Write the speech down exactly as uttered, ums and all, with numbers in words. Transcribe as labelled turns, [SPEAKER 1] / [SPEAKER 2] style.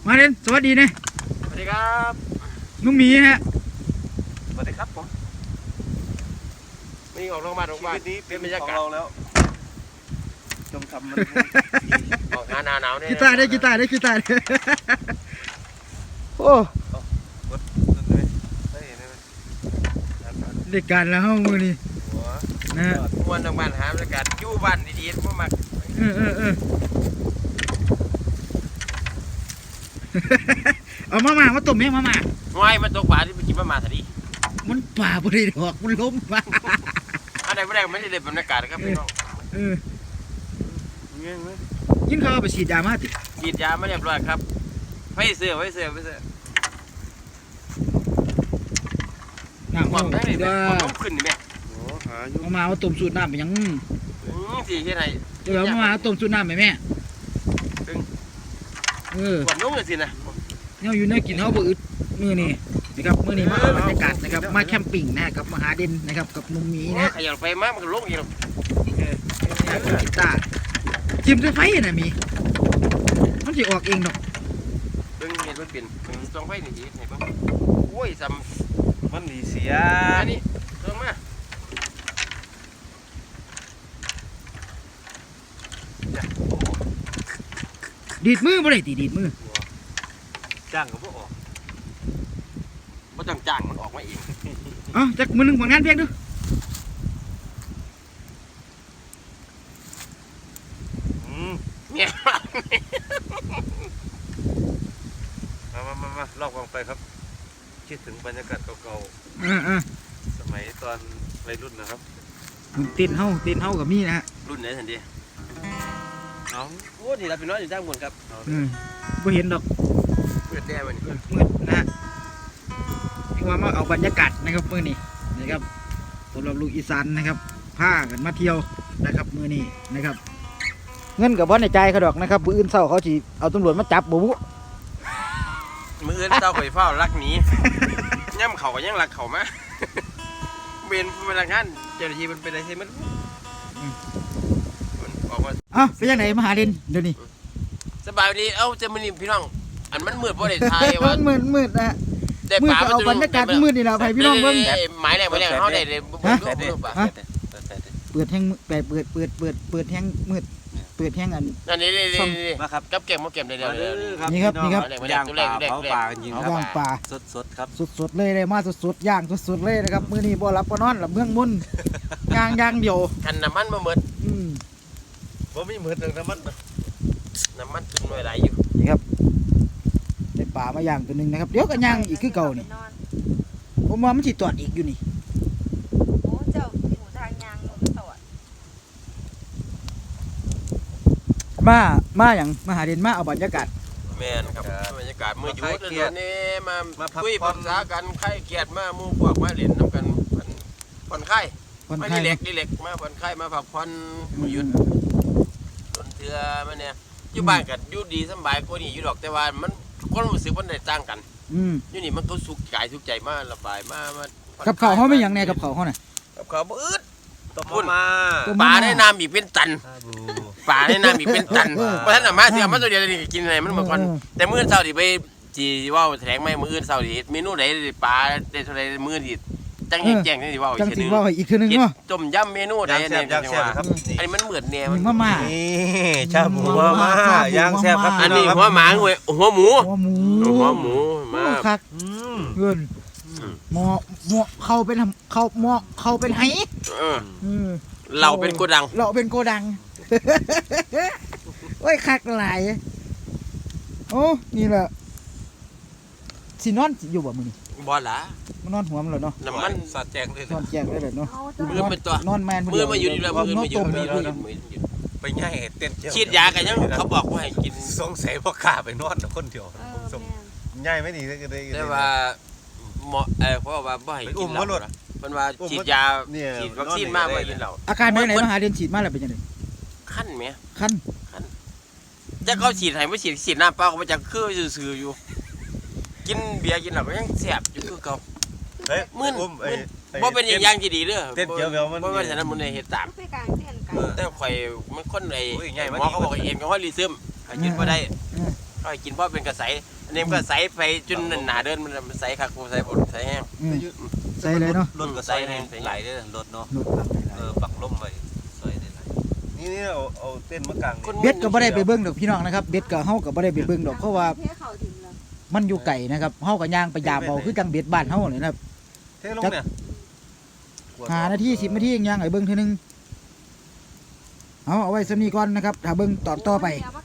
[SPEAKER 1] มาเล่นสวัสดีนะ
[SPEAKER 2] สวัสดีครับ
[SPEAKER 1] นุ่มหมีฮะ
[SPEAKER 2] สวัสดีครับผมนี่ออกโรงพยาบาลโรงพยาบาลนี้เป็นบรรยากาศแล้วจงทำมันออกหนาวหนาวเนี่ย
[SPEAKER 1] กีตาร์ได้กีตาร์ได้กีตาร์ได้โอ้เด็กการแล้วห้องมือนี่นะ
[SPEAKER 2] วันโรงพยาบาลหาบรรยากาศยู่บ้านดีๆพวกมัน
[SPEAKER 1] เออเออเออเอามามามาต้มไหมมามา
[SPEAKER 2] ง่ายมันตกปลาที่ไปกินมามาสิดิ
[SPEAKER 1] มันป่าบริดอกมันล้มมา
[SPEAKER 2] อะไรไม่ได้ไม่ได้เลยบรรยากาศครับพี่น้อง
[SPEAKER 1] เออยิ่งเขาไปฉีดยามาติ
[SPEAKER 2] ฉีดยาไม่เรียบร้อยครับไฟเสือไฟเสือไฟเสือ
[SPEAKER 1] น้ำมัน
[SPEAKER 2] ได้เลยมันขึ้นนี่แม่
[SPEAKER 1] มามาเอาต้มสูตรน้ำไปยัง
[SPEAKER 2] สี่ที่ไหน
[SPEAKER 1] เดี๋ยวมามาต้มสูตรน้ำไปแม่เออ
[SPEAKER 2] หวานนุ่มเลยสินะ
[SPEAKER 1] เนี่ยอยู่ในกินเขาบ่อึดมือนี่นะครับมือนี่มาบรรยากาศนะครับมาแคมปิ้งนะกับมหาเด่นนะครับกับนุ่มหมีนะ
[SPEAKER 2] ขยับไปมากมันก็ลงอีก
[SPEAKER 1] แล้วกีตาร์จิ้มด้วยไฟนะมีมันจะออกเองดอก
[SPEAKER 2] เบิ่งเห็นมันเปลี่ยนตรงไฟนี่ดีเห็นป่ะโอ้ยซ้
[SPEAKER 3] ำมันหนีเสีย
[SPEAKER 2] อันนี้ลงมา
[SPEAKER 1] ดีดมือบ่ได้ตีดีดมือ
[SPEAKER 2] จ้างก็บ่ออกบ่จ้างจ้างมันออกมาเอง
[SPEAKER 1] อ๋อจักมือหนึ่งผลงานเพียงดู
[SPEAKER 2] เนี่ย
[SPEAKER 3] มามามามาลอกวางไปครับคิดถึงบรรยากาศเก่าๆสมัยตอนวัยรุ่นนะครับ
[SPEAKER 1] เต้นเฮาเต้นเฮากับมีนะฮะ
[SPEAKER 2] รุ่นไหนทันทีเอาโอ้ที่เราเป็นน้อยอยู่จ้างบนครับ
[SPEAKER 1] อืมบ่เห็นดอก
[SPEAKER 2] เปิดแน่มัน
[SPEAKER 1] มืดนะฮะพี่ว่ามาเอาบรรยากาศนะครับมื้อนี้นะครับสำหรับลูกอีสานนะครับพากันมาเที่ยวนะครับมื้อนี้นะครับเงินกับบ่ในใจเขาดอกนะครับมื้ออื่นเช้าเขาสิเอาตำรวจมาจับบ่บุ
[SPEAKER 2] มื้ออื่นเช้าข่อยเฝ้ารักหนีย่ำเขาก็ยังรักเขามาเป็นพนักงานเจ้าหน้าที่มันเป็นอะไรใช่มั้ยออกมา
[SPEAKER 1] อ้าวเป็นยังไงมหาเด่นเดี๋ยวนี้
[SPEAKER 2] สบายดีเอ้าจะมื้อนี้พี่น้องอันมันมืดบ่ได้ถ่ายว่า
[SPEAKER 1] มืดมืดนะ
[SPEAKER 2] แต่ป่า
[SPEAKER 1] เอาบรรยากาศมืดนี่ล่ะให้พี่น้องเบิ่ง
[SPEAKER 2] หมายแรกหมายแรกเฮาได้เลยบ่รู้ป่ะ
[SPEAKER 1] เปิดแห้งเปิดเปิดเปิดเปิดเปิดแห้งมืดเปิดแห้งอัน
[SPEAKER 2] อันนี้ๆมาครับกับแก้มบ่แก้มเดี๋ยว
[SPEAKER 1] ๆนี่ครับนี่ครับ
[SPEAKER 3] ย่างปลาเผาปลาจริงครับ
[SPEAKER 1] ย่างปลา
[SPEAKER 3] สดๆครับ
[SPEAKER 1] สดๆเลยเลยมาสดๆย่างสดๆเลยนะครับมื้อนี้บ่หลับบ่นอนหลับเมืองมุ่นย่างย่างเดียว
[SPEAKER 2] คันน้ำมันบ่หมด
[SPEAKER 1] อืม
[SPEAKER 3] บ่มีหมดน้ำมัน
[SPEAKER 2] น้ำมันถึงหน่วยหลายอยู่
[SPEAKER 1] นี่ครับได้ปลามาย่างตัวนึงนะครับเดี๋ยวก็ย่างอีกคือเก่านี่ผมว่ามันสิตอดอีกอยู่นี่
[SPEAKER 4] โอ้เจ้าหูทางยางลงตอด
[SPEAKER 1] มามาอย่างมหาเด่นมาเอาบรรยากาศ
[SPEAKER 2] แม่นครับบรรยากาศมื้ออยู่ตอนนี้มาคุยปรึกษากันใครเกียรติมาหมู่พวกมาเล่นนำกันผ่อนคลายมาดีเล็กดีเล็กมาผ่อนคลายมาพักผ่อนมื้อหยุดต้นเทื่อมาเนี่ยอยู่บ้านกันอยู่ดีสบายกว่านี้อยู่ดอกแต่ว่ามันความรู้สึกมันได้ต่างกันอยู่นี่มันก็สุขกายสุขใจมาระบายมามา
[SPEAKER 1] กับข้าวเขาไม่อย่างแน่กับข้าวเขาน่ะ
[SPEAKER 2] กับข้าวบ่อึด
[SPEAKER 3] ต้มมา
[SPEAKER 2] ปลาได้น้ำอีกเป็นตันปลาได้น้ำอีกเป็นตันเพราะฉะนั้นมาเสียมาตัวเดียวนี่กินอะไรมันเหมือนกันแต่มื้อเช้าที่ไปจีว่าแถลงไม่มื้ออื่นเช้าที่เมนูไหนปลาได้เท่าไรมื้อที่จังแจ้งจังสิว่า
[SPEAKER 1] จังสิว่าอีกทีนึงเนาะ
[SPEAKER 2] ต้มยำเมนูใดเนี่ยจังว่าอันนี้มันเหมือนแนว
[SPEAKER 1] มาม่า
[SPEAKER 3] นี่ชาบูมาม่าย่างแซ่บครับ
[SPEAKER 2] อันนี้หัวหมาหัวหมู
[SPEAKER 1] หัวหมู
[SPEAKER 2] หัวหมูมา
[SPEAKER 1] คักเงินหมอหมอเข้าเป็นเข้าหมอเข้าเป็นไห
[SPEAKER 2] เราเป็นโกดัง
[SPEAKER 1] เราเป็นโกดังโอ้ยคักหลายโอ้นี่แหละสินอนอยู่บ่มื้อนี้
[SPEAKER 2] บ่ล่ะ
[SPEAKER 1] มันนอนหัวมันเหรอเนาะ
[SPEAKER 2] น้ำมัน
[SPEAKER 3] สอดแจงเลย
[SPEAKER 1] นอนแจงได้เลยเนาะ
[SPEAKER 2] มือเป็นตัวน
[SPEAKER 1] อนแมน
[SPEAKER 2] มือมาอยู่นี่แล้วมือมาอยู่นี่แล้ว
[SPEAKER 3] ไปง่ายเต้น
[SPEAKER 2] ฉีดยากันยังเขาบอกว่าให้กิน
[SPEAKER 3] สงสัยพ่อข้าไปนอนคนเดียวง่ายไม่ดีเลย
[SPEAKER 2] แต่ว่าหมอเออเพราะว่าบ่ให้กินเหล้ามันว่าฉีดยาฉีดวัคซีนมากบ่ให้กินเหล้า
[SPEAKER 1] อาการเป็นไหนมหาเด่นฉีดมาแล้วเป็นยังไง
[SPEAKER 2] ขั้นไหม
[SPEAKER 1] ขั้น
[SPEAKER 2] ขั้นจะเขาฉีดให้ไม่ฉีดฉีดน้ำเปล่าเขาไปจังคือซื่อๆอยู่กินเบียร์กินเหล้าก็ยังแสบอยู่คือเก่ามึนบ่เป็นอย่างย่างที่ดีเด้อ
[SPEAKER 3] เต้นเจียวเบลมัน
[SPEAKER 2] บ่ว่าฉะนั้นมันเฮ็ดตามแต่ข่อยมันคนไอ้หมอเขาบอกเอ็นก็ว่ารีซึมให้กินบ่ได้เอาให้กินเพราะเป็นกระใสอันนี้มันก็ใสไปจนหนาเดินมันใสคักกูใสบดใสแห้ง
[SPEAKER 1] อืมใส่เลยเนาะ
[SPEAKER 3] รถก็ใส่ไหลได้รถเนาะ
[SPEAKER 1] รถปักหลาย
[SPEAKER 3] เออปักล่มไว้ใส่ได้ไหลนี่นี่เอาเอาเต้นมากลาง
[SPEAKER 1] ๆเบ็ดก็บ่ได้ไปเบิ่งดอกพี่น้องนะครับเบ็ดก็เฮาก็บ่ได้ไปเบิ่งดอกเพราะว่า
[SPEAKER 4] เทเขาถึงแล้ว
[SPEAKER 1] มันอยู่ไกลนะครับเฮาก็ย่างไปยามเอาคือจังเบ็ดบ้านเฮาเลยนะครับ
[SPEAKER 3] เทลงเนี่ย
[SPEAKER 1] ห้านาทีสิบนาทียังไงเบิ้งเทีนึงเอาเอาไว้สำนีก่อนนะครับถ้าเบิ้งตอนต่อไป
[SPEAKER 4] เอามา